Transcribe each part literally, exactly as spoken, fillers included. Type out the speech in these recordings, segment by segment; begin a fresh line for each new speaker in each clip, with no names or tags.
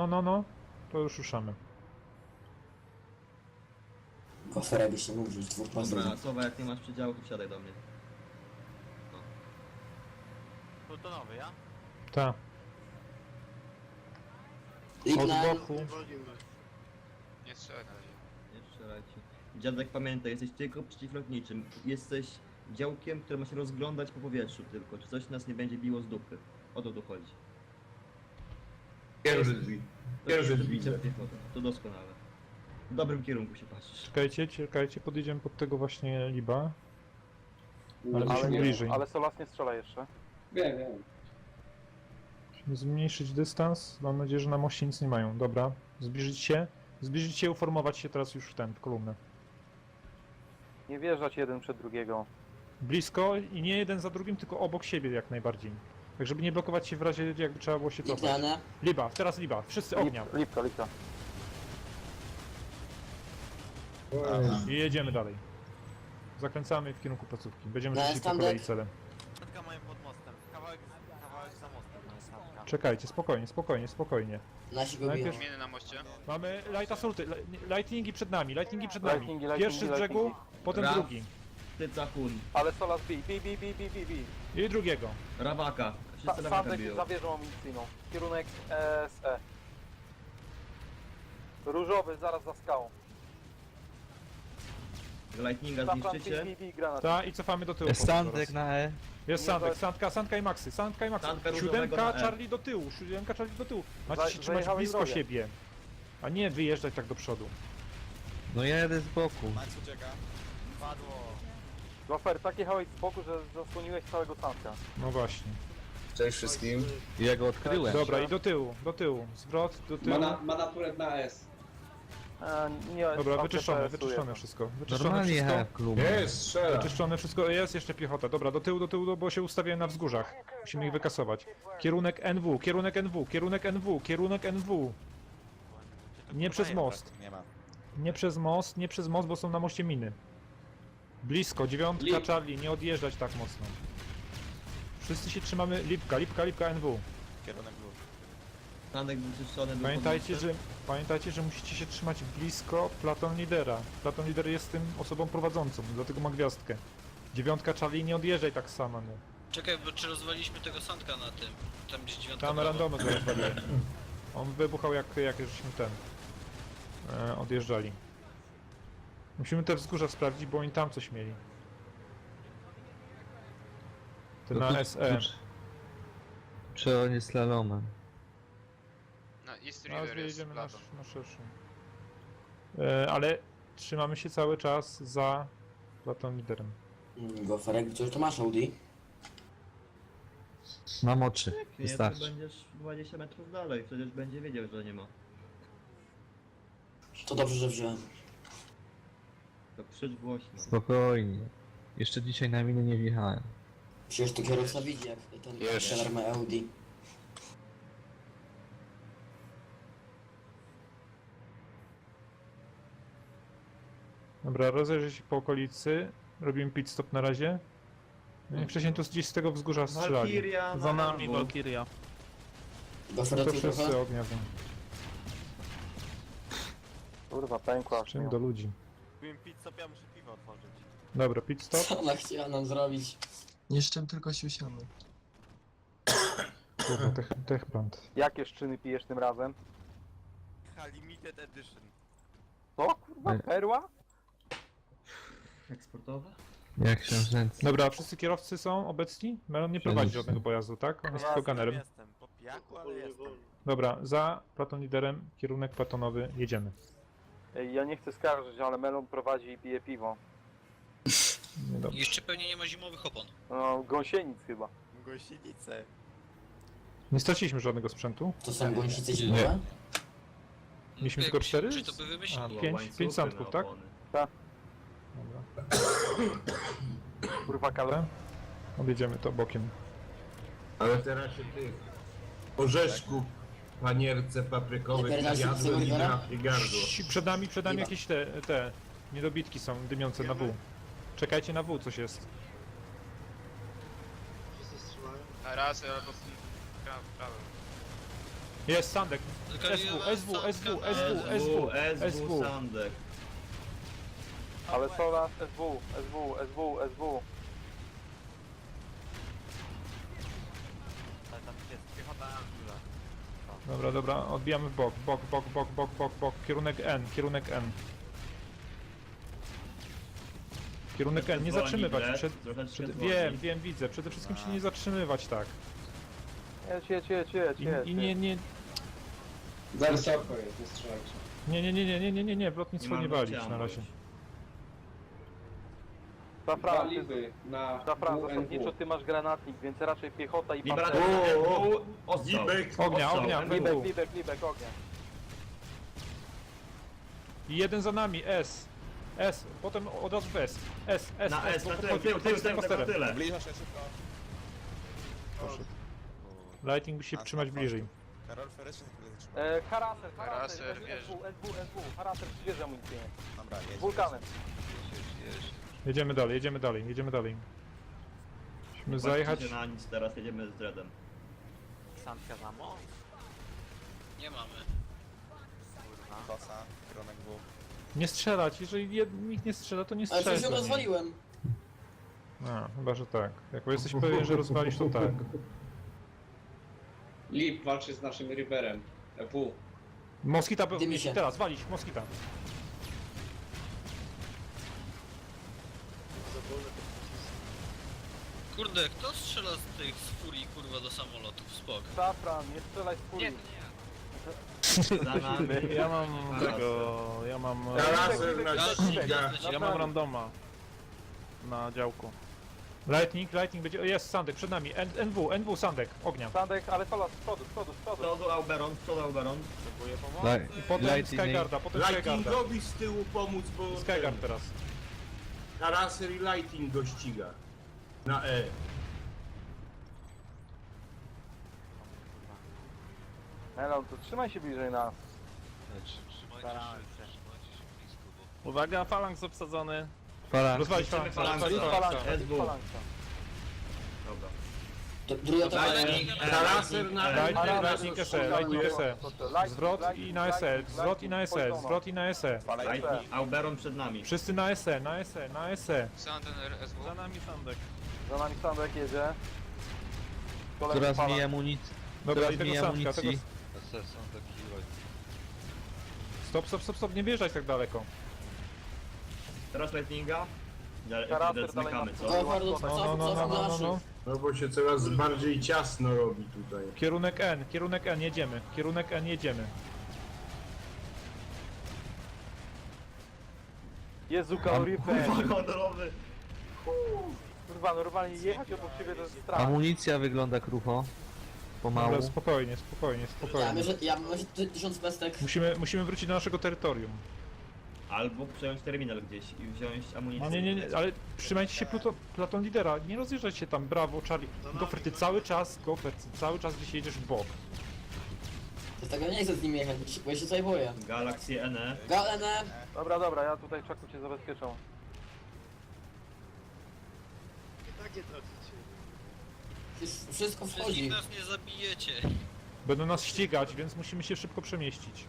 no, no, no. To już ruszamy.
Kofera byś się mógł wziąć dwóch pasów.
Dobra, Sowa, jak nie masz przedziału, to wsiadaj do mnie.
Plutonowy, ja?
Ta. Od
Ignan,
boku.
Nie strzelaj na razie.
Nie strzelajcie. Dziadek, pamiętaj, jesteś tylko przeciwlotniczym. Jesteś działkiem, które ma się rozglądać po powietrzu tylko. Czy coś nas nie będzie biło z dupy. O to tu chodzi.
Pierwsze drzwi.
To
Pierwsze
jest
drzwi.
bicie piechotą. To doskonale. W dobrym kierunku się patrzysz.
Czekajcie, czekajcie, podjedziemy pod tego właśnie liba. Ale
Ale,
musimy
nie,
bliżej.
ale Solas nie strzela jeszcze.
Wiem, wiem.
Musimy zmniejszyć dystans. Mam nadzieję, że na moście nic nie mają. Dobra. Zbliżyć się. Zbliżyć się, uformować się teraz już w ten, w kolumnę.
Nie wjeżdżać jeden przed drugiego.
Blisko i nie jeden za drugim, tylko obok siebie jak najbardziej. Tak, żeby nie blokować się w razie, jakby trzeba było się cofać.
Ignana.
Liba, teraz liba. Wszyscy ognia.
Lip, lipka, lipka.
I jedziemy dalej. Zakręcamy w kierunku placówki. Będziemy
No,
szli po
standard.
kolei celem.
Statka mają pod mostem. Kawałek, kawałek za mostem to jest statka.
Czekajcie, spokojnie, spokojnie, spokojnie.
Nasi go biją.
Najpierw-
Zmieny na moście.
Mamy light assaulty, li- lightningi przed nami, lightningi przed nami.
Lightningi, lightningi,
Pierwszy z brzegu,
lightningi.
potem
Raf.
drugi.
Ty Cachun.
Ale Solas bij, bij, bij, bij, bij, bij, bij.
I drugiego.
Rawaka.
Sa
Wszyscy Rawaka
Sandek
biją.
za wieżą amunicyjną. Kierunek S E. Różowy, zaraz za skałą.
Lightninga
Safran, bij,
zniszczycie.
bij, bij, granat.
Ta i cofamy do tyłu.
Jest
potem
Sandek
teraz.
na E.
Jest
Nie,
Sandek,
to-
Sandka, Sandka i Maxy, Sandka i Maxy.
Sandka różowego
Siódemka,
na E.
Charlie do tyłu, siódemka, Charlie do tyłu. Macie
Za-
się trzymać
zajechałem
blisko
drogę.
siebie. A nie wyjeżdżać tak do przodu.
No ja jedę z boku.
Max ucieka. Padło.
Gofer, tak jechałeś z boku, że zasłoniłeś całego Sandka.
No właśnie.
Cześć wszystkim.
Ja go odkryłem.
Dobra, i do tyłu, do tyłu. Zwrot, do tyłu.
Mana, mana turret na S.
E, nie,
Dobra,
tam
wyczyszczone,
T P S-uje.
wyczyszczone wszystko. Wyczyszczone
Normalnie
wszystko.
jechałem w klubie.
Jest, strzela.
Wyczyszczone wszystko, jest jeszcze piechota. Dobra, do tyłu, do tyłu, bo się ustawiają na wzgórzach. Musimy ich wykasować. Kierunek N W, kierunek N W, kierunek N W, kierunek N W. Nie przez most.
Nie ma.
Nie przez most, nie przez most, bo są na moście miny. Blisko, dziewiątka,
Lip.
Charlie, nie odjeżdżać tak mocno. Wszyscy się trzymamy, lipka, lipka, lipka N W.
Kierunek był.
Sandek wyczyszczony. był
Pamiętajcie,
pod
że,
mostem.
pamiętajcie, że musicie się trzymać blisko Platon Lidera. Platon Lider jest tym osobą prowadzącą, dlatego ma gwiazdkę. Dziewiątka, Charlie, nie odjeżdżaj tak sama, no.
Czekaj, bo czy rozwaliliśmy tego Sandka na tym? Tam gdzieś dziewiątka
Tam
prawo.
randomy go rozwaliłem. On wybuchał jak, jak żeśmy ten... E, odjeżdżali. Musimy te wzgórza sprawdzić, bo oni tam coś mieli. Ty na S E.
Czy on jest slalomem?
Na East
Teraz
River jest
wyjedziemy na,
Platon.
na szerszą. E, ale trzymamy się cały czas za Platon Liderem.
Mm, Goferek, gdzie to masz Audi?
Mam oczy.
Nie, to
Wystarczy.
będziesz dwadzieścia metrów dalej, przecież będzie wiedział, że nie ma.
To dobrze, że wziąłem.
To krzycz głośno.
Spokojnie. Jeszcze dzisiaj na miny nie wjechałem.
Przecież to kierowca widzi, jak ten
Jeszcze.
trener ma Audi.
Dobra, rozejrzę się po okolicy. Robimy pit stop na razie. No i wcześniej tu gdzieś z tego wzgórza strzelali.
Valkyria
Za
na
nami
N W.
Valkyria.
Gofer
No
do
to
tyłu
wszyscy
trochę?
ognia wiem.
Kurwa, pękła.
Czym do ludzi.
Byłem pit stop, ja muszę piwo otworzyć.
Dobra, pit stop.
Co ona chciała nam zrobić?
Jeszcze tylko się usiamy.
Kurwa, tech, techplant.
Jakie szczyny pijesz tym razem?
Ha, limited edition.
Co, kurwa,
Ej.
perła?
Eksportowe?
Jak książęcy.
Dobra, wszyscy kierowcy są obecni? Melon nie prowadzi
Wszędzie.
żadnego pojazdu, tak? On jest
Ja
tylko gunnerem.
Jestem, po pijaku, ale jestem.
Dobra, za Platon Liderem, kierunek platonowy, jedziemy.
Ej, ja nie chcę skarżyć, ale Melon prowadzi i pije piwo.
Niedobrze.
Jeszcze pewnie nie ma zimowych opon.
No, gąsienic chyba.
Gościnice.
Nie straciliśmy żadnego sprzętu.
To są gąsice zimowe?
Mieliśmy
Jak
tylko cztery?
Czy to by wymyślili?
A,
Było
pięć-
łańcuchy
pięć sandków,
na
tak?
opony.
Dobra.
Kurwa, kale.
Dobra. Objedziemy to bokiem.
Ale teraz się tych orzeszków, panierce paprykowych
Nie pierdolę się
jadłem i
Sylwera?
na i gardło.
Ci przed nami, przed nami
Chyba.
jakieś te, te niedobitki są dymiące na W. Czekajcie na W, coś jest.
Na raz albo w prawym.
Jest Sandek.
Tylko
S W, S W, S W, S W, S W,
S W,
S W.
Sandek.
Ale Solas, S W, S W, S W, S W.
Ale tam jest piechota na górze.
Dobra, dobra, odbijamy w bok, bok, bok, bok, bok, bok, bok, kierunek N, kierunek N. Kierunek N, nie
Zwolni
zatrzymywać,
bilet,
przed,
troszeczkę
przed,
zwolni.
wiem, wiem, widzę, przede wszystkim się nie zatrzymywać tak.
Jedź, jedź, jedź, jedź,
I,
jedź.
i nie, nie,
Za wysoko jest, nie strzelajcie.
nie, nie, nie, nie, nie, nie, nie, nie, w
Nie
lotnictwo
mam
nie walić
gościa,
na razie.
Za
Dwa
Fran, ty,
liby na
za Fran,
W N W.
zasadniczo ty masz granatnik, więc raczej piechota i
Libera
pancerz.
O, o,
ostrzał.
Libek.
Ognia,
Ostrzał,
ognia,
N W.
Libek, libek, libek, ognia.
I jeden za nami, S. S, potem od razu w S. S, S,
Na S,
bo
na tył,
podchodzi,
tył, tył,
podchodzi z tym
tył, tego
masterem.
tyle.
Lighting musi się trzymać bliżej.
Karol Ferry się chwilę zatrzymał.
E, haraser,
Haraser,
haraser,
wiesz.
S W, S W, S W, haraser, świeże amunicję.
Dobra, jedź.
Z wulkanem.
Jedziemy dalej, jedziemy dalej, jedziemy dalej. Musimy zajechać.
Patrzcie na nic, teraz jedziemy z Dreadem.
Sandka za mo?
Nie mamy.
Kurwa. Kosa, kierunek W.
Nie strzelać, jeżeli jed... nikt nie strzela, to nie
Ale
strzelaj.
coś ją
do niej.
rozwaliłem.
A, chyba, że tak. Jak jesteś pewien, że rozwalisz, to tak.
Lip walczy z naszym Riverem. E W.
Moskita,
Dymi się.
teraz, walić, Moskita.
Kurde, kto strzela z tych z furii kurwa do samolotów? Spok.
Safran, nie strzelaj z furii.
Za nami.
Ja mam
Haraser.
tego, ja mam...
Laser na
Gaz-
ściga.
gaz-
Ja mam randoma na działku.
Lightning, Lightning będzie. O, jest Sandek przed nami. N NW, NW Sandek, ognia.
Sandek, ale Solas, z przodu, z przodu, z
Z
przodu.
przodu Auberon, z przodu Auberon.
Potrzebuję pomocy.
I potem
Lightning.
Skyguarda, potem Skyguarda.
Lightingowi z tyłu pomóc, bo
Skyguard teraz.
Haraser i Lighting go ściga. Na E.
Hello, to trzymaj się bliżej nas.
Starałem się.
Uwaga, falanks obsadzony.
Fala.
Rozwalić
Chcemy
falanks,
falanksy.
rozwalić
Jest
falanks.
falanka, jest
S W.
falanka.
Dobra.
To druga to
Lightning,
jest.
E,
Haraser na
E.
Lightning,
Haraser,
Lightning S E,
kurwa,
Lightning S E.
Lightning,
Zwrot i
lightning,
na S E,
lightning,
zwrot i na S E,
lightning,
zwrot i na S E.
Lightning, Auberon przed nami.
Wszyscy na S E, na S E, na S E.
Santander S W.
Za nami Sandek.
Za nami Sandek jedzie. Kolejny
Coraz
falank.
mniej amunicji.
Dobra,
Coraz
i tego
mniej
Sandka, tego...
amunicji.
Stop, stop, stop, stop, nie wjeżdżać tak daleko.
Teraz Lightninga. Ja-
Haraser
Dread
dalej
zmykamy,
ma-
co?
O, bardzo,
No, no,
cofam,
no, no,
cofam
no, no, no.
naszych.
No bo się coraz bardziej ciasno robi tutaj.
Kierunek N, kierunek N, jedziemy. Kierunek N, jedziemy.
Jezu, kaloryfer.
Kurwa, honorowy.
Kurwa, normalnie jechać obok siebie to jest strach.
Amunicja wygląda krucho. Pomału.
Dobra, spokojnie, spokojnie,
Ja
spokojnie.
myślę, ja myślę, ty- tysiąc pestek.
Musimy, musimy wrócić do naszego terytorium.
Albo przejąć terminal gdzieś i wziąć amunicję.
No nie, nie, nie, ale trzymajcie się pluto, platon lidera, nie rozjeżdżać się tam, brawo, Charlie. Gofer, ty cały czas, Gofer, ty cały czas gdzieś jedziesz w bok.
Dlatego nie chcę z nim jechać, bo ja się tutaj boję.
Galaxy N E.
Galene,
Dobra, dobra, ja tutaj czaku cię zabezpieczam.
wsz- wszystko
Przecież
wchodzi.
nikt nas nie zabijecie.
Będą nas ścigać, więc musimy się szybko przemieścić.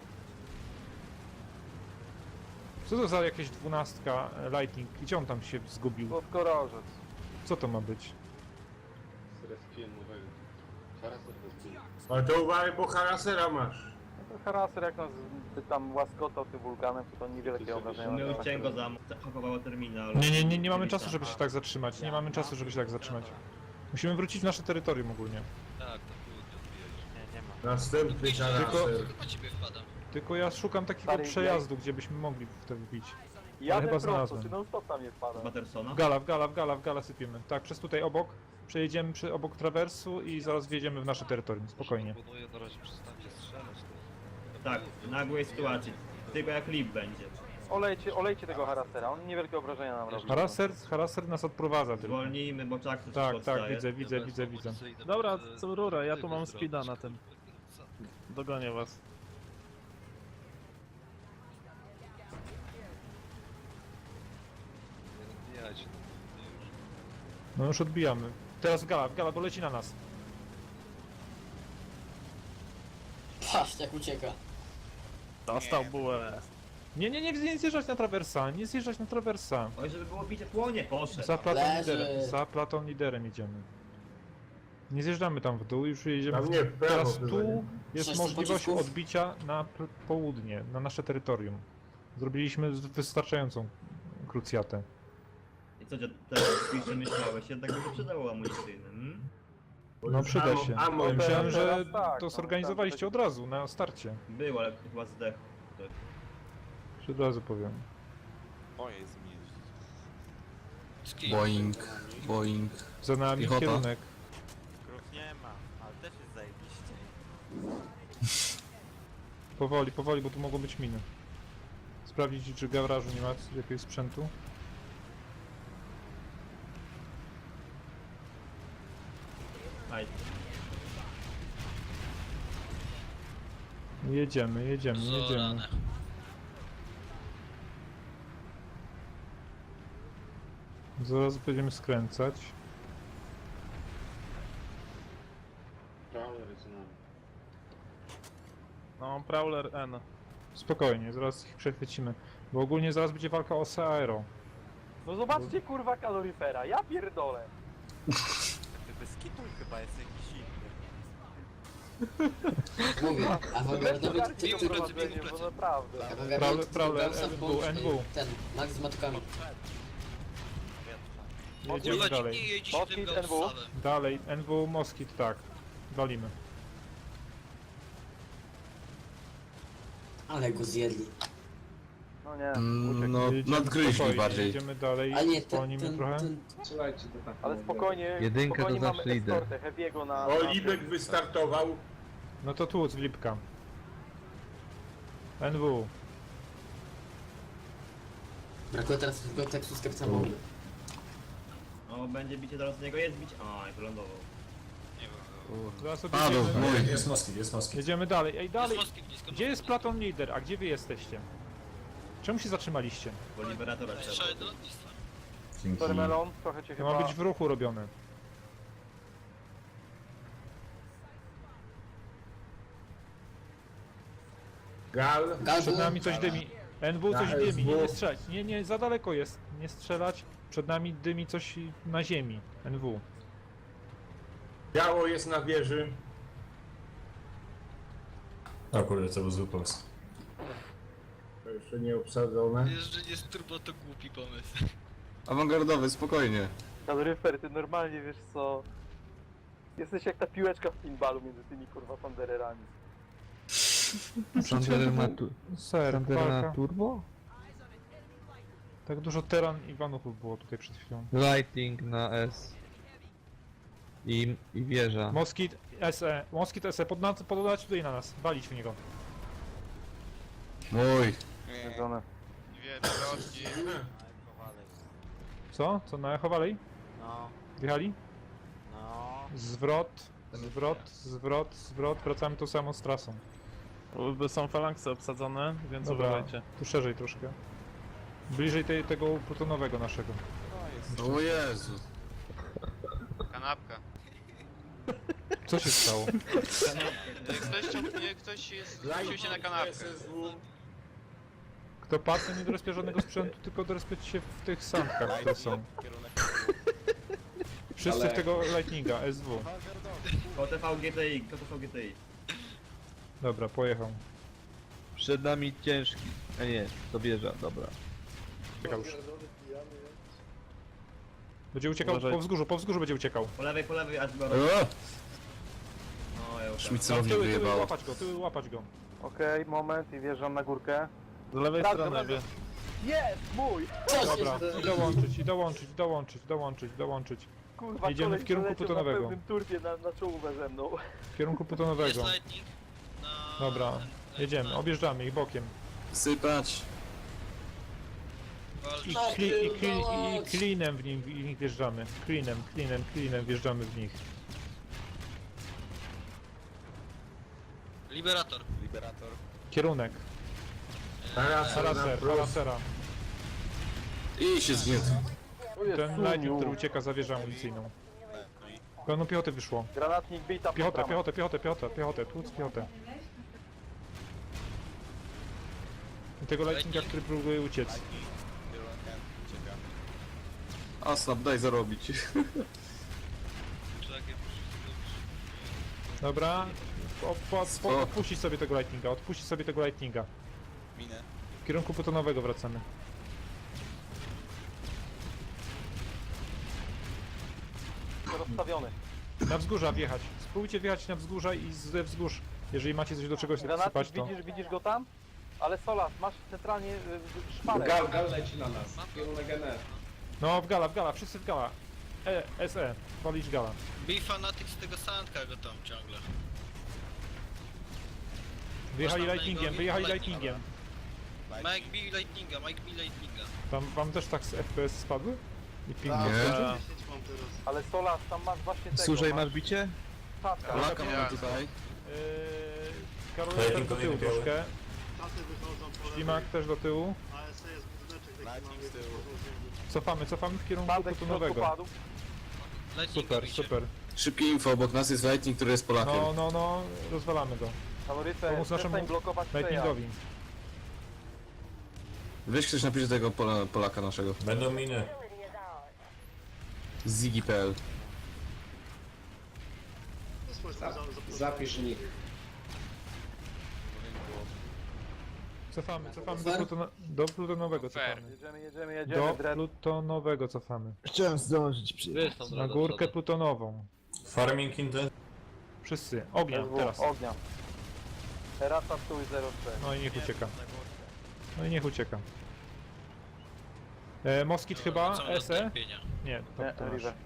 Co to za jakieś dwunastka e, Lightning? Gdzie on tam się zgubił?
Podkorożec.
Co to ma być?
Ale to uważaj, bo Harasera masz.
No to haraser jak nas by tam łaskotał tym wulkanem, to to niewielkie obrażenia.
My
nas
ucięłem go
tak.
za zahakowało terminal.
Nie, nie, nie, nie mamy czasu, żeby się tak zatrzymać. Nie mamy czasu, żeby się tak zatrzymać. Musimy wrócić w nasze terytorium ogólnie.
Tak, to kurde, odbijać.
Nie, nie ma.
Następny Haraser.
Chyba ciebie wpadam.
Tylko ja szukam takiego
Stary,
przejazdu, gdzie byśmy mogli w to wbić.
Jadę
chyba
prosto,
znalazłem.
ty non stop tam nie wpada.
Batersona.
W gala, w gala, w gala, w gala sypiemy. Tak, przez tutaj obok. Przejedziemy przy, obok trawersu i zaraz wjedziemy w nasze terytorium. Spokojnie.
Proponuję na razie przestańcie strzelać.
Tak, w nagłej sytuacji. Tylko jak Lip będzie.
Olejcie, olejcie tego harasera, on niewielkie obrażenia nam robi.
Haraser, haraser nas odprowadza tylko.
Zwolnijmy, bo czak
Tak, tak, widzę, widzę, widzę, widzę.
Dobra, co rurę, ja tu mam speeda na tym. Dogonię was.
No już odbijamy. Teraz w gala, w gala, bo leci na nas.
patrzcie jak ucieka.
Dostał bułę.
Nie, nie, nie, nie zjeżdżać na trawersa, nie zjeżdżać na trawersa.
Oj, żeby było bicie płonie, poszedł.
Za platą
Leży.
liderem, za platą liderem idziemy. Nie zjeżdżamy tam w dół, już jedziemy.
Tam
w-
nie, w prawo
Teraz
było,
tu
nie?
jest
Sześć
możliwość
pocisków.
odbicia na p- południe, na nasze terytorium. Zrobiliśmy z- wystarczającą krucjatę.
I co, dziad, teraz jeszcze myślałeś, jednak by się przydało amunicyjne, hmm?
Bo
No
już
przyda
ammo-
się.
ammo
Ja myślałem,
teraz
że
tak,
to
no,
zorganizowaliście
tak,
od razu, na starcie.
Był, ale chyba zdechł. ktoś.
Już od razu powiem.
Moje zmieścić.
Z kim?
Boeing, Boeing.
Za nami
Piechota.
kierunek.
Krów nie ma, ale też jest zajebiście.
Powoli, powoli, bo tu mogą być miny. Sprawdzić, czy w garażu nie ma jakiegoś sprzętu.
Aj,
Jedziemy, jedziemy, jedziemy.
Zorane.
Zaraz będziemy skręcać.
No, Prowler N.
Spokojnie, zaraz ich przechwycimy. Bo ogólnie zaraz będzie walka o Seaero.
No zobaczcie kurwa kaloryfera, ja pierdolę.
Ty bez kitu chyba jest jakiś inny.
Mówię, awangardowy
Weźcie
typ,
to
typ,
prowadzenie, bo naprawdę.
awangardowy typ
Prowler,
Gaussa
N W,
bądź,
N W.
y, ten, Max z matkami.
Jedziemy
Kurwa,
dalej.
nie jedzie się tym
Moskit, N W.
Gaussowem.
Dalej, N W Moskit, tak. Walimy.
Ale go zjedli.
No nie,
Mm,
uciekł.
no,
Jedziemy
nadgryźli
spokojnie,
bardziej.
Jedziemy dalej,
A nie, ten,
zwolnimy
ten,
trochę.
ten,
Ale spokojnie,
Jedynkę
spokojnie
to
mamy
zawsze idę.
eskortę Heavy'ego na...
O,
na
Libek
tym.
wystartował.
No to tu, z Lipka. N W.
brakuje teraz tylko tekstu z kapcami.
o, będzie bicie teraz z niego, jest bicie. Oj, wylądował.
Nie wiem.
Zaraz
Padł,
odjedziemy.
mój.
Jest Moskit, jest Moskit.
Jedziemy dalej. Ej,
Jest
dalej.
Moskit blisko.
Gdzie jest Platon Lider? A gdzie wy jesteście? Czemu się zatrzymaliście?
Bo liberatora trzeba.
Strzelaj do lotnictwa.
Dzięki.
Sorry Melon, trochę cię
To
chyba...
ma być w ruchu robione.
Gal.
Przed nami coś dymi. N W coś
Na
dymi, nie, nie
S W.
strzelać. Nie, nie, za daleko jest. Nie strzelać. Przed nami dymi coś na ziemi. N W.
Biało jest na wieży.
O kurde, to był zły pomysł.
To jeszcze nie obsadzone.
Jeżeli jest turbo, to głupi pomysł.
Awangardowy, spokojnie.
Kaloryfer, ty normalnie wiesz co... Jesteś jak ta piłeczka w pinballu między tymi kurwa pandererami.
Sander ma, tu,
Ser,
Sander ma
walka.
turbo?
Tak dużo teran i vanów było tutaj przed chwilą.
Lighting na S. I, i wieża.
Moskit S E. Moskit S E. Podna- Pododać tutaj na nas. Walić w niego.
Mój.
Jedzone.
Dwie drogi.
Co? Co na Echo Valley?
No,
Wjechali?
no.
Zwrot, zwrot, zwrot, zwrot. Wracamy tą samą z trasą.
By są falanksy obsadzone, więc
Dobra,
uważajcie.
tu szerzej troszkę. Bliżej tej, tego plutonowego naszego.
O Jezu.
Kanapka.
Co się stało?
Ktoś, chciał- nie, ktoś jest, rzucił się na kanapkę.
S S W.
Kto patrzy, nie dorespia żadnego sprzętu, tylko dorespiać się w tych sankach, które są. Wszyscy w tego Lightninga, S W.
O T V G T I, kto T V G T I?
Dobra, pojechał.
Przed nami ciężki. A nie, to wieża, dobra.
Uciekał już. Będzie uciekał
Uważaj.
po wzgórzu, po wzgórzu będzie uciekał.
Po lewej, po lewej, aż go...
O!
No, ja już tam.
Tam
Szmicelowi
tyły, tyły,
wyjebał.
łapać go, tyły, łapać go.
Okej, moment i wjeżdżam na górkę.
Z lewej
Tak,
strony,
dobra.
wie.
Jest, mój!
Co się
Dobra,
dzieje?
i dołączyć, i dołączyć, dołączyć, dołączyć, dołączyć.
Kurwa,
Jedziemy
koleś
w kierunku
przeleciał
plutonowego.
na pełnym turbie na, na czołówę ze mną.
W kierunku
Jest
plutonowego.
lightning. Na...
Dobra, jedziemy, objeżdżamy ich bokiem.
Sypać.
I,
Tak,
kli, i, kli, i
dołącz.
klinem w, nim, w nich wjeżdżamy. Klinem, klinem, klinem wjeżdżamy w nich.
Liberator.
Liberator.
Kierunek.
Haraser na
Haraser,
prost.
harasera.
I się zgniótł.
Tu jest
Ten lightning,
Suniu.
który ucieka za wieżę amunicyjną. Pełno piechoty wyszło.
Granatnik bita
Piechotę, piechotę, piechotę, piechotę, piechotę, tłuc piechotę. I tego lightninga, który próbuje uciec.
Aslap, daj zarobić.
Dobra. O, po,
Co?
po, odpuścić sobie tego lightninga, odpuścić sobie tego lightninga.
Minę.
W kierunku plutonowego wracamy.
Rozstawiony.
Na wzgórza wjechać. Spróbujcie wjechać na wzgórza i ze wzgórz. Jeżeli macie coś do czegoś
Granaty,
sypać, to...
widzisz, widzisz go tam? Ale Solas, masz centralnie y, y, szparę.
Gal, gal leci na nas. Kierunek N E.
No, w gala, w gala, wszyscy w gala. E, S E, walić gala.
Bij fanatyk z tego sandka go tam ciągle.
Wyjechali
Można
lightningiem,
Mike'owi
wyjechali
lightninga.
lightningiem.
Mike bij lightninga, Mike bij lightninga.
Wam, wam też tak z F P S spadły? I ping
Nie.
nie.
Ale Solas, tam masz właśnie tego.
Służej, masz bicie?
Taska.
Polaka mamy tutaj.
Yy, Karol
Lightning
też do tyłu
kolejny biały.
troszkę. Ślimak też do tyłu.
Lightning z tyłu.
Cofamy, cofamy w kierunku
Spadek w środku
plutonowego.
padł.
Lightninga
Super,
bicie.
super.
Szybkie info, obok nas jest Lightning, który jest Polakiem.
No, no, no, rozwalamy go.
Faworyce,
Pomóc naszemu
przestań blokować przejazd.
Lightningowi.
Weź ktoś napisze tego Pola, Polaka naszego.
Będą miny.
Ziggy kropka p l.
Zapisz nick.
Cofamy, cofamy do, plutona do plutonowego
Fair.
cofamy.
Jedziemy, jedziemy, jedziemy,
Do
Dread.
plutonowego cofamy.
Chciałem zdążyć przyjechać.
Na górkę plutonową.
Farming intent.
Wszyscy. Ognia,
S W,
teraz.
ognia. Terasa stój zero trzy.
No i niech ucieka. No i niech ucieka. E, Moskit chyba,
Wracamy do
S E?
tępienia.
Nie, to,
Nie,
to masz.
River.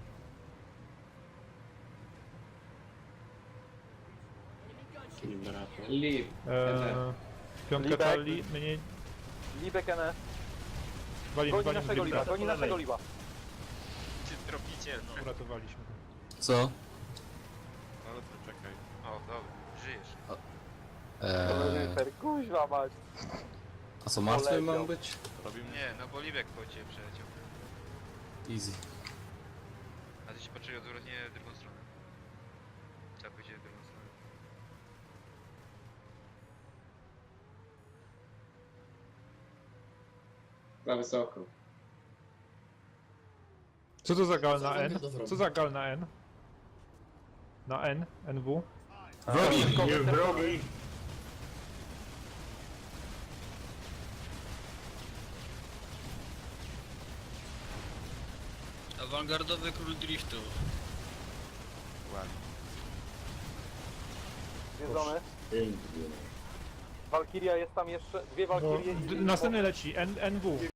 Liv.
E, piątka
Libek.
Charlie, my nie...
Libek N S.
Walimy,
Goni
walimy
naszego liba,
Libka.
goni naszego liba.
Czy tropiciel? No,
Uratowaliśmy go.
Co?
ale to czekaj. O, dobra, żyjesz.
Eee,
River, kuźwa mać.
a co, martwy
poleciał.
mam być?
Robimy? Nie, no bo Libek po ciebie przeleciał.
Easy.
A ty się patrzyli odwrotnie w drugą stronę. Tak pójdzie w drugą stronę.
Za wysoko.
Co to za gal na
Co
N?
to zrobił?
Co za gal na N? Na N? N W?
Wrogi!
Nie wrogi.
Awangardowy król driftu.
Zwiedzony. Walkiria jest tam jeszcze, dwie
No,
Walkirie
d-
i...
następny leci, N, NW.